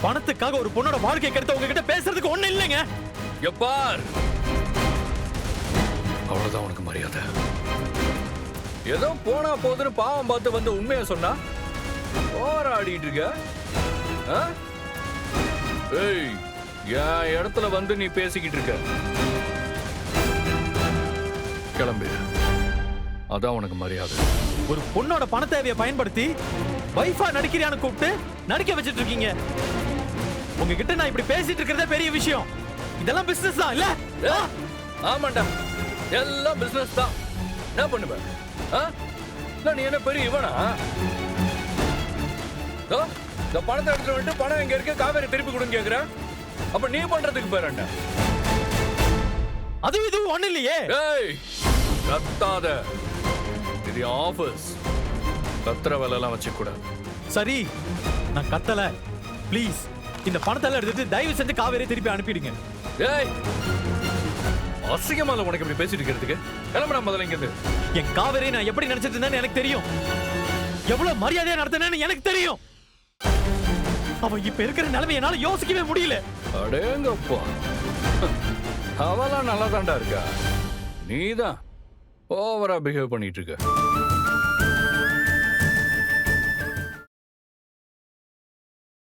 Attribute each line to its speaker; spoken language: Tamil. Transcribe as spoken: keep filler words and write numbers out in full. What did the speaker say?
Speaker 1: பணத்துக்காக ஒரு பொண்ணோட வாழ்க்கை கெடுத்த உங்ககிட்ட பேசுறதுக்கு ஒண்ணு இல்லைங்க.
Speaker 2: எப்பார் அவ்வளவுதான் உனக்கு மரியாதை. ஏதோ போனா போதுன்னு பாவம் பார்த்து வந்து உண்மையா சொன்னா போராடிட்டு இருக்க. ஆ? ஏய், என் இடத்துல வந்து நீ பேசிக்கிட்டு இருக்க. கிளம்பு, அதான் உனக்கு மரியாதை.
Speaker 1: ஒரு பொண்ணோட பண தேவையை பயன்படுத்தி வைஃபா நடிக்கிறியான்னு கூப்பிட்டு நடிக்க வச்சிட்டு இருக்கீங்க. உங்ககிட்ட நான் இப்படி பேசிட்டு இருக்கிறதே பெரிய விஷயம். இதெல்லாம் பிசினஸ் தான் இல்ல?
Speaker 2: ஆ? ஆமாண்டா, எல்லாம் பிசினஸ் தான். என்ன பண்ணுவ? ஆ? இல்ல, நீ என்ன பெரிய இவனா? இதோ, இந்த பணத்தை எடுத்துட்டு வந்துட்டு பணம் எங்க இருக்கு, காவேரி திருப்பி கொடுங்க கேக்குற. அப்ப நீ பண்றதுக்கு பேர் என்ன?
Speaker 1: அது இது ஒண்ணு இல்லையே.
Speaker 2: ஏய், கத்தாத. இது ஆபீஸ். கத்துற வேலை எல்லாம் வச்சுக்க கூடாது.
Speaker 1: சரி, நான் கத்தல. ப்ளீஸ் இந்த பணத்தை எல்லாம் எடுத்துட்டு தயவு செஞ்சு காவேரி திருப்பி அனுப்பிடுங்க.
Speaker 2: ஏய், அசிங்கமா உனக்கு இப்படி பேசிட்டு இருக்கிறதுக்கு? கிளம்புறா முதல்ல இங்க இருந்து.
Speaker 1: என் காவேரி நான் எப்படி நினைச்சிட்டு இருந்தேன்னு எனக்கு தெரியும். எவ்வளவு மரியாதையா நடத்தினேன்னு எனக்கு தெரியும். அவ இப்ப இருக்கிற நிலைமை என்னால யோசிக்கவே முடியல.
Speaker 2: அடேங்கப்பா, அவெல்லாம் நல்லா தாண்டா இருக்கா. நீதான் ஓவரா பிஹேவ் பண்ணிட்டு இருக்க.